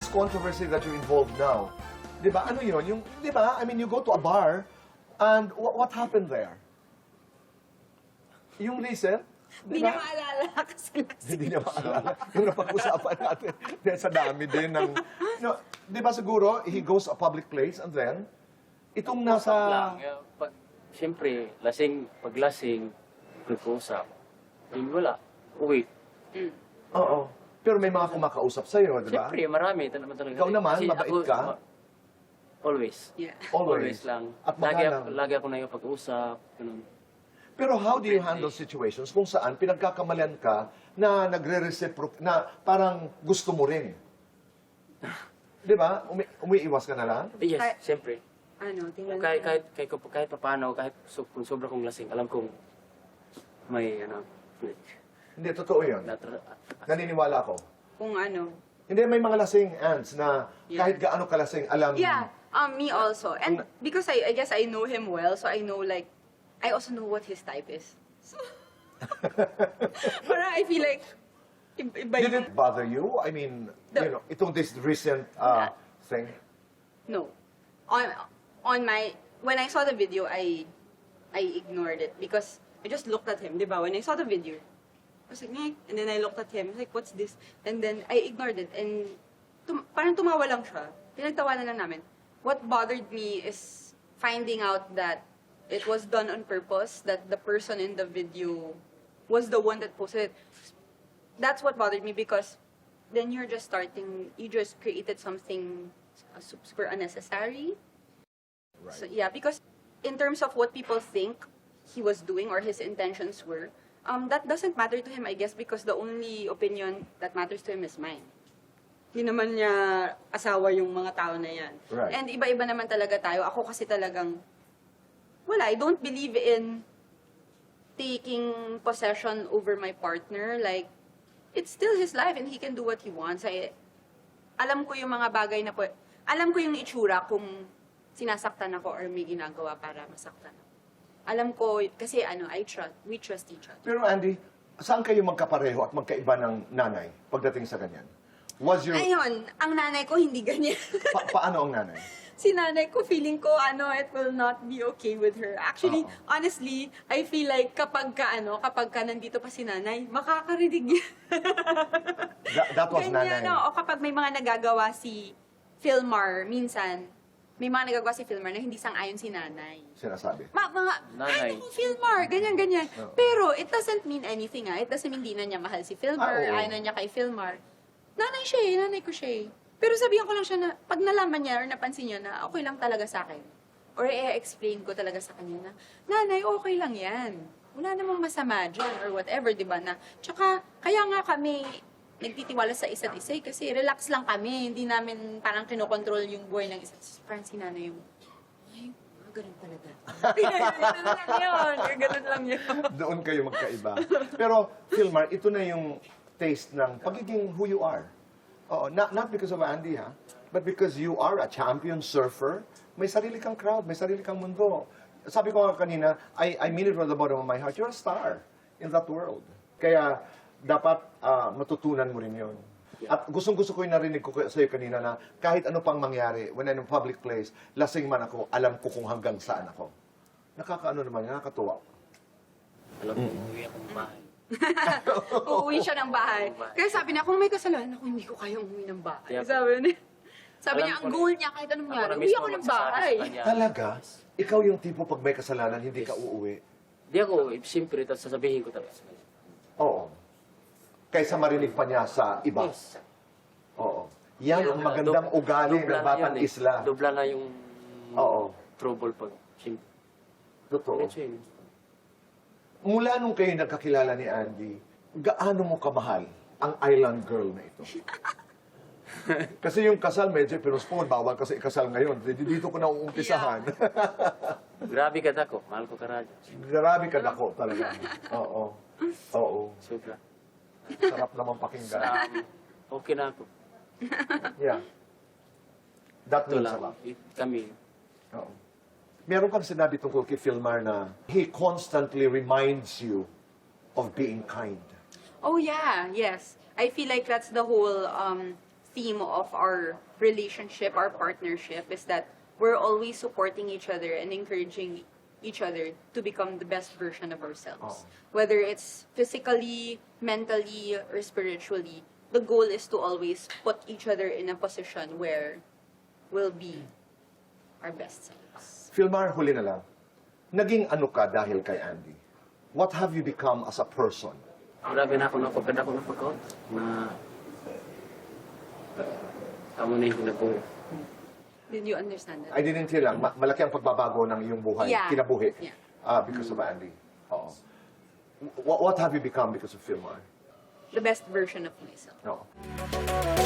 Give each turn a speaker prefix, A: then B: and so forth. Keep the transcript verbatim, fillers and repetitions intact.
A: controversy that you're involved now, di ba, ano yun? Yung, di ba, I mean, you go to a bar, and wh- what happened there? Yung recent,
B: Hindi niya maalala kasi
A: hindi niya maalala. Yung napag-usapan natin, dahil sa dami din ng... No, di ba siguro, he goes to a public place, and then, itong nasa...
C: lang. Yeah, pag, siyempre, lasing, pag lasing, nag-uusap. Yun wala. Uwi.
A: Oo. Pero may mga kumakausap sa'yo, di ba?
C: Siyempre, marami. Ito naman talaga.
A: Ikaw naman,
C: Kasi
A: mabait
C: ako-
A: ka?
C: ma- Always.
B: Yeah.
A: Always.
C: Always lang.
A: At
C: lagi,
A: magalang.
C: ako, lagi ako na yung pag-usap. Ganun.
A: Pero how do you handle situations kung saan pinagkakamalian ka na nagre-reciproc, na parang gusto mo rin? Di ba? Umi umiiwas ka na lang?
C: Eh, yes,
B: Kaya-
C: siyempre.
B: Ano, tingnan
C: Kahit,
B: ko.
C: kahit, kahit, kahit, kahit paano, kahit so, kung sobra kong lasing, alam kong may, ano, may,
A: Hindi, totoo yun.
C: natra-
A: Naniniwala ako.
B: Kung ano.
A: Hindi, may mga lasing ants na
B: Yeah.
A: kahit gaano kalasing, alam...
B: Yeah, um, me also. And because I, I guess I know him well, so I know like, I also know what his type is. So, parang I feel like, iba, iba
A: Did
B: yung,
A: it bother you? I mean,
B: The-
A: you know, itong this recent uh, thing.
B: no. On, on my, when I saw the video, I, I ignored it because I just looked at him, di ba? When I saw the video, I was like, "Ngek," and then I looked at him, I was like, what's this? And then I ignored it, and tum parang tumawa lang siya. Pinagtawanan lang namin. What bothered me is finding out that it was done on purpose, that the person in the video was the one that posted it. That's what bothered me because then you're just starting, you just created something uh, super unnecessary.
A: Right.
B: So yeah, because in terms of what people think he was doing or his intentions were, um, that doesn't matter to him, I guess, because the only opinion that matters to him is mine. Hindi naman niya asawa yung mga tao na yan.
A: Right.
B: And iba-iba naman talaga tayo. Ako kasi talagang, wala, I don't believe in taking possession over my partner. Like, it's still his life and he can do what he wants. I, alam ko yung mga bagay na po, alam ko yung itsura kung sinasaktan ako or may ginagawa para masaktan ako. Alam ko, kasi ano, I trust, we trust each other.
A: Pero Andy, saan kayo magkapareho at magkaiba ng nanay pagdating sa ganyan? Was your...
B: Ayun, ang nanay ko hindi ganyan.
A: Pa- paano ang nanay?
B: Si nanay ko, feeling ko, ano, it will not be okay with her. Actually,
A: Oo.
B: honestly, I feel like kapag ka, ano, kapag ka nandito pa si nanay, makakarinig niya.
A: That, that was nanay.
B: Ganyan, no? O kapag may mga nagagawa si Philmar, minsan, may mga nagagawa si Philmar na hindi sang-ayon si nanay.
A: Sinasabi.
B: Ma, mga,
C: Nanay.
B: ay, naku, Philmar, ganyan, ganyan.
A: Oo.
B: Pero, it doesn't mean anything, ah. It doesn't mean hindi na niya mahal si Philmar,
A: Ah, oo.
B: ayaw na niya kay Philmar. Nanay siya eh, nanay ko siya eh. Pero sabihan ko lang siya na, pag nalaman niya or napansin niya na okay lang talaga sa akin, or i-explain ko talaga sa kanya na, nanay, okay lang yan. Wala namang masama dyan, or whatever, di ba na? Tsaka, kaya nga kami nagtitiwala sa isa't isa eh, kasi relax lang kami, hindi namin parang kinokontrol yung buhay ng isa't isa. Parang si nanay yung, ay, ah, ganun talaga. Ganun lang yun, ganun lang yun.
A: Doon kayo magkaiba. Pero, Philmar, ito na yung taste ng pagiging who you are. Oo, not, not because of Andy, ha? But because you are a champion surfer, may sarili kang crowd, may sarili kang mundo. Sabi ko nga kanina, I, I mean it from the bottom of my heart, you're a star in that world. Kaya, dapat ah, matutunan mo rin yun. At gustong-gusto ko yung narinig ko sa iyo kanina na kahit ano pang mangyari, when I'm in a public place, lasing man ako, alam ko kung hanggang saan ako. Nakakaano naman, nakakatuwa.
C: alam ko, uwi akong bahay.
B: Uuwi siya ng bahay. Kaya sabi niya, kung may kasalanan ako, hindi ko kaya umuwi ng bahay.
C: Yeah.
B: Sabi niya, sabi
C: Alam
B: niya,
C: ko
B: ang
C: na-
B: goal niya, kahit anong
C: Ako
B: mangyari,
C: na
B: uwi
C: mismo
B: ako ng
C: magsasabi sa
B: bahay.
C: kanya.
A: Talaga? Ikaw yung tipo pag may kasalanan, hindi ka uuwi.
C: Di ako, eh, siyempre, tapos sasabihin ko talaga sa kanya.
A: Oo. Kaysa marinig pa niya sa iba.
C: Yes.
A: Oo. Yan ang magandang
C: Dub-
A: ugali
C: dubla
A: ng
C: na
A: batang
C: yun eh.
A: isla.
C: Dubla na yung
A: Oo.
C: trouble pag, siyempre.
A: Totoo.
C: Medyo yun.
A: Mula nung kayo nagkakilala ni Andy, gaano mo kamahal ang island girl na ito? Kasi yung kasal, medyo pinuspon. Bawal kasi ikasal ngayon. Dito ko na uumpisahan.
C: Grabe ka dako, mahal ko ka radyo.
A: Grabe ka dako talaga. Oo. Oo.
C: Sobra.
A: Sarap naman pakinggan.
C: Um, okay na ako.
A: Yeah. That
C: Ito
A: means
C: lang,
A: a lot.
C: it- kami.
A: Oo. Meron kang sinabi tungkol kay Philmar na he constantly reminds you of being kind.
B: Oh yeah, yes. I feel like that's the whole um, theme of our relationship, our partnership, is that we're always supporting each other and encouraging each other to become the best version of ourselves.
A: Oh.
B: Whether it's physically, mentally, or spiritually, the goal is to always put each other in a position where we'll be our best selves.
A: Filmar, huli na lang. Naging ano ka dahil kay Andy? What have you become as a person?
C: Grabe na ako napagkada ko na pagkaw na tamo na yung ko.
B: Did you understand that?
A: I didn't hear lang, ma- malaki ang pagbabago ng iyong buhay,
B: Yeah.
A: kinabuhi,
B: Yeah.
A: ah, because of Andy. Oo. What, what have you become because of Filmar?
B: The best version of myself.
A: No.